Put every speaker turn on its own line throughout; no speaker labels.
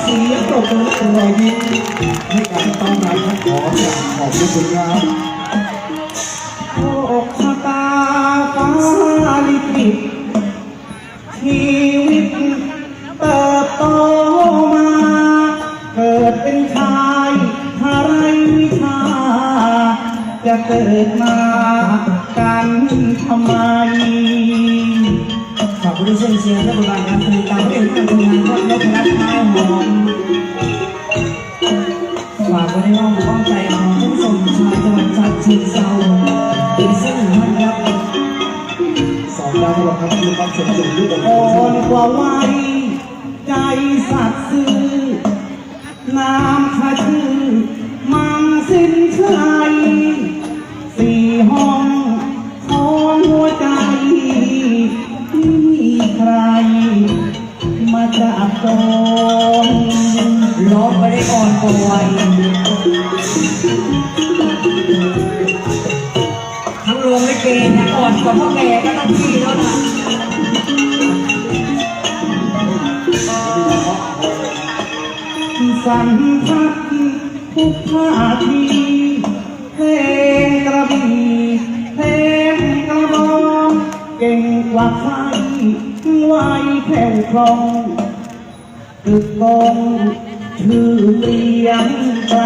เสียงตบมือและรอยยิ้มให้การต้อนรับท่านขอจากขอบคุณครับโอกชะตาฟ้าลิขิตชีวิตเติบโตมาเกิดเป็นชายหาไรวิชาจะเกิดมากันทำไมขอบคุณที่เชียร์และบริการการผลิตการเรียนการทำงานวัดนพรัตน์ไม้หอมฝากไว้ในอ้อมอกอ้อมใจของท่านผู้ชมชาวจังหวัดฉะเชิงเทราอีกสักหนึ่งท่านครับสองดาวตลอดครับมีความสมดุลด้วยกันอ่อนกว่าวัยใจสัตย์ซื่อน้ำข้าชื่อมังสินชัยสี่ห้องของหัวใจไม่มีใครมาจับจองร้องไปได้อ่อนกว่าวัยทั้งโรงลิเกเนี่ยอ่อนกว่าพ่อแก่ก็ต้องพี่แล้วนะสัมผัสทุกท่าทีเพลงกระบี่เพลงกระบองเก่งกว่าใครไวแผ่วคล่องตึกกองชื่อเรียงไกล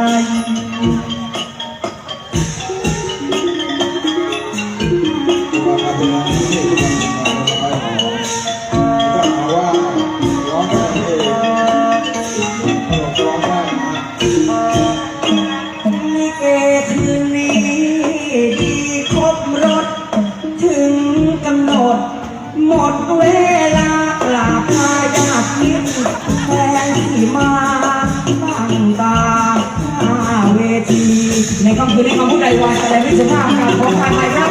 หมดเวลากราบลาญาติมิตรแฟนที่มาตั้งตาเวทีในค่ำคืนนี้คำพูดใดวันแสดงวิสุภาพการขอทานไหมครับ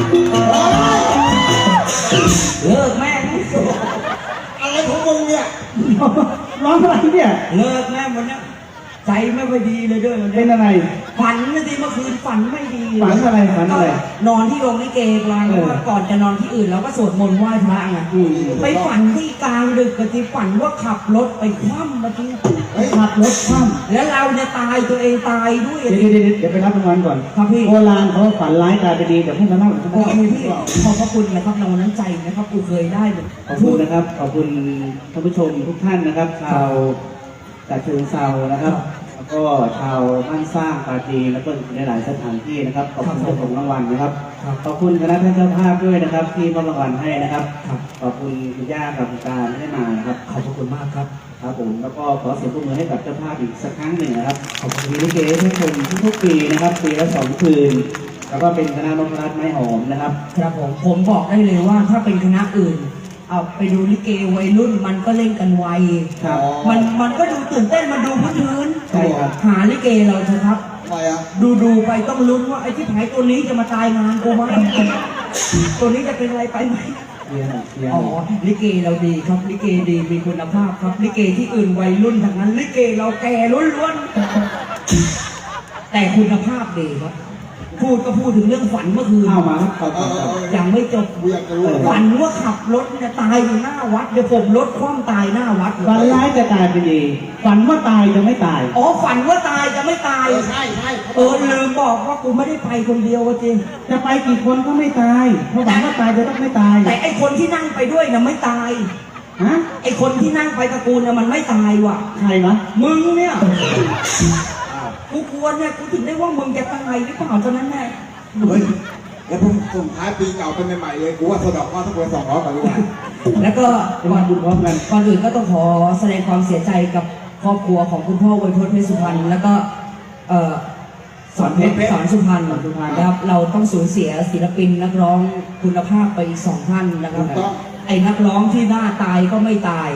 เลิกแม่อะไรของมึงเนี่ยร้องอะไรเนี่ยเลิกแม่วันนี้ใจไม่ค่อยดีเลยด้วยมันเป็นอะไรฝันไม่ดีเมื่อคืนฝันไม่ดีฝันอะไรฝันอะไรนอนที่โรงลิเกกลางว่าก่อนจะนอนที่อื่นเราก็สวดมนต์ไหว้พระไงไปฝันที่กลางดึกกันที่ฝันว่าขับรถไปคว่ำเมื่อกี้ขับรถคว่ำแล้วเราจะตายตัวเองตายด้วยเดี๋ยวไปรับรางวัลก่อนครับพี่โบราณเขาฝันร้ายกลายเป็นดีเดี๋ยวให้มาเล่าโอเคพี่ขอบพระคุณนะครับรางวัลน้ำใจนะครับกูเคยได้ขอบคุณนะครับขอบคุณท่านผู้ชมทุกท่านนะครับชาวฉะเชิงเทรานะครับแล้วก็ชาวบ้านสร้างปาจีนแล้วก็ในหลายสถานที่นะครับขอบคุณเจ้าของรางวัลนะครับขอบคุณคณะท่านเจ้าภาพด้วยนะครับที่มอบรางวัลให้นะครับขอบคุณคุณย่ากับคุณการที่ได้มานะครับขอบคุณมากครับครับผมแล้วก็ขอเสียงปรบมือให้กับเจ้าภาพอีกสักครั้งหนึ่งนะครับขอบคุณลิเกทุกคนทุกปีนะครับปีละ2 คืนแล้วก็เป็นคณะนพรัตน์ไม้หอมนะครับครับผมบอกได้เลยว่าถ้าเป็นคณะอื่นเอาไปดูลิเกวัยรุ่นมันก็เล่นกันไวมันก็ดูตื่นเต้นมันดูพื้นใช่ครับหาลิเกเราเถอะครับดูไปต้องลุ้นว่าไอ้ที่ไผ่ตัวนี้จะมาตายงานกูไหมตัวนี้จะเป็นอะไรไปไหมอ๋อลิเกเราดีครับลิเกดีมีคุณภาพครับลิเกที่อื่นวัยรุ่นทั้งนั้นลิเกเราแก่ล้วนๆแต่คุณภาพดีครับพูดก็พูดถึงเรื่องฝันเมื่อคืนเอามาครับยังไม่จบฝันว่าขับรถเนี่ยตายอยู่หน้าวัดเดี๋ยวผมรถคว่ำตายหน้าวัดฝันร้ายจะตายเป็นดีฝันว่าตายจะไม่ตายอ๋อฝันว่าตายจะไม่ตายใช่ลืมบอกว่ากูไม่ได้ไปคนเดียวจริงจะไปกี่คนก็ไม่ตายเพราะฝันว่าตายจะต้องไม่ตายแต่ไอคนที่นั่งไปด้วยน่ะไม่ตายฮะไอคนที่นั่งไปตระกูลน่ะมันไม่ตายว่ะใครวะมึงเนี่ยกูควรเนี่ยกูถึงได้ว่ามึงจะตายหรือเปล่าตอนนั้นแน่เฮ้ยแล้วผมส่งท้ายปีเก่าเป็นใหม่ๆเลยกูว่าสะดอกว่าทุกคน200ก่อนดีกว่าแล้วก็ก่อนบุญพร้อมกันก่อนอื่นก็ต้องขอแสดงความเสียใจกับครอบครัวของคุณพ่อไวยพจน์เพชรสุพรรณแล้วก็สอนเพชรสอนสุพรรณนะครับเราต้องสูญเสียศิลปินนักร้องคุณภาพไปอีก2 ท่านนะครับไอ้นักร้องที่หน้าตายก็ไม่ตาย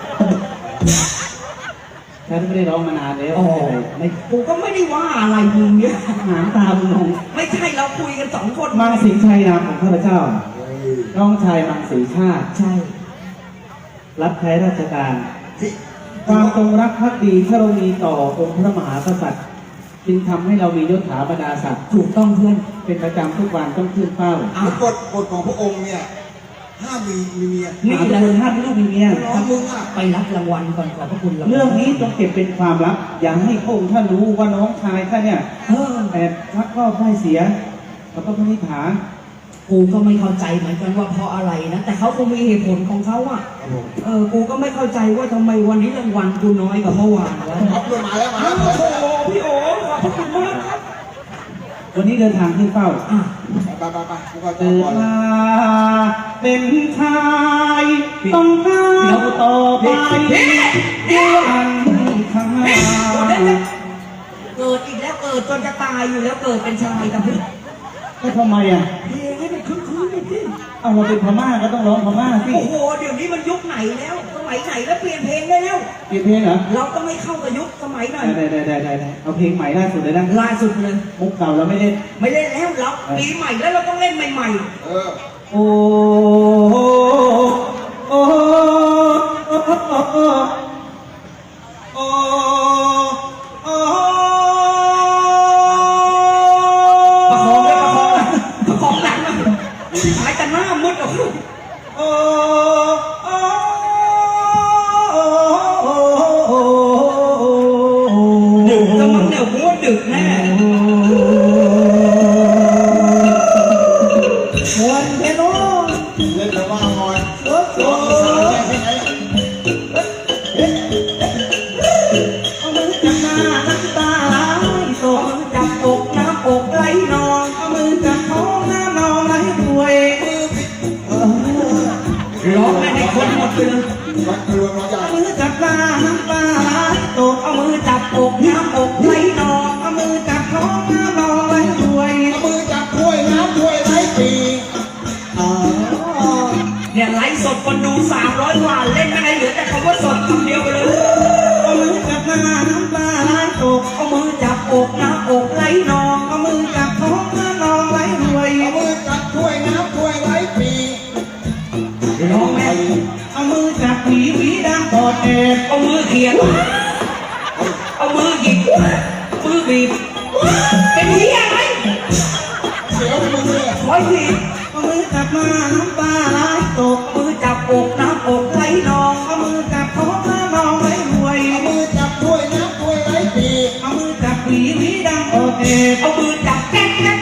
ฉันไม่ได้ร้องมานานแล้วไม่กูก็ไม่ได้ว่าอะไรมึงเนี่ยหางตามึงไม่ใช่เราคุยกัน2 คนมังสีชัยนามของข้าพเจ้าน้องชายมังสีชาติใช่รับใช้ราชการความจงรักภักดีที่เรามีต่อองค์พระมหากษัตริย์จึงทำให้เรามียศถาบรรดาศักดิ์ถูกต้องเพื่อนเป็นประจำทุกวันต้องขึ้นเป้ากฎของพระองค์เนี่ย
ห้ามมีเมีย
นี่แหละห้ามลูกมีเมีย
ร้องมึงอ่ะ
ไปรับรางวัลก่อนขอบพระคุณรางวัล
เรื่องนี้ต้องเก็บเป็นความลับ อย่าให้พระองค์ท่านรู้ว่าน้องชายท่านเนี่ยแอบชักรอบได้เสียเขาต้องพิจารณา
กูก็ไม่เข้าใจเหมือนกันว่าเพราะอะไรนะแต่เขาคงมีเหตุผลของเขาอ่ะกูก็ไม่เข้าใจว่าทำไมวันนี้รางวัลกูน้อยกว่าเมื่อวานวะ
เอาเพื่อนมาแล้วมาแล้ว
โอ้โหพี่โอ๋ขอบพระคุณมากครับ
วันนี้เดินทางขึ้นเฝ้า
อ่ะ
ไปกูก็จะ
เกิด
ก่อน
มาเป็นชายต้องก้าวต่อไปอันข้างหน้า
เกิดอีกแล้วเกิดจนจะตายอยู่แล้วเกิดเป็นชายกับพี่
ก็ทำไมอ่ะ
เพลงให้มันคึกคืนหน่อยสิ
เอาเราเป็นพม่าก็ต้องร้องพม่าสิ
โอ้โหเดี๋ยวนี้มันยุคไหนแล้วสมัยไหนแล้วเปลี่ยนเพลงได้แล้ว
เปลี่ยนเพลงเหรอ
เราก็ไม่เข้ากับยุคสมัยหน่อย
ได้เอาเพลงใหม่ล่าสุดเลยนะ
ล่าสุดเลย
มุกเก่าเราไม่ได้
ไม่เล่นแล้วเราปีใหม่แล้วเราต้องเล่นใหม่
เออ
โอ้โอ้โอ้โอ้โอ้โอ้
ๆประคองเลยประคองหลังนะหายแต่หน้ามืดออก
โอ้โอ้โอ้
ดึกจะมันเนี่ยหัวดึกแน่
มวนเทโน
เล่นแต่ว่าหน่อย
โอ้โห
ร้องภาษาแก่ที่ไหน
เอามือจับหน้าน้ำตาไหลตก
จับอกน้ำอกไหลนอง
เอามือจับท้องน้ำนองไหลรวย
ร้องให้คนหมดไปเลย
รักรวมร้องใหญ่
เอามือจับหน้าน้ำตาไหลตก
เอามือจับอกน้ำอกไหลนอง
เอามือจับท้องน้ำนองไหลรวย
เอามือจับถ้วยน้ำถ้วยไร้ปี
อ๋อ
เนี่ยไลฟ์สดคนดู300 กว่าเล่นไม่ได้เหลือแต่คำว่าสดคำเดียวไปเลย
เอามือจับหน้าน้ำตาไหลตก
เอามือจับอกน้ำอกไหลนอง
เอามือจับท้องน้ำนองไหลรวย
เอามือจับถ้วยน้ำถ้วยไร้ปี
ร้องแม่
เอามือจับหวีดังกอดแอบ
เอามือเขียนเอามือหยิบมือบีบเป็นเหี้ยไหม
เสียวมึงเลย
ร้อยที
เอามือจับหน้าน้ำตาไหลตก
เอามือจับอกน้ำอกไหลนอง
เอามือจับท้องน้ำนองไหลรวย
เอามือจับถ้วยน้ำถ้วยไร้ปี
เอามือจับหวีดังกอดแอบ
เอามือจับแก๊กแก๊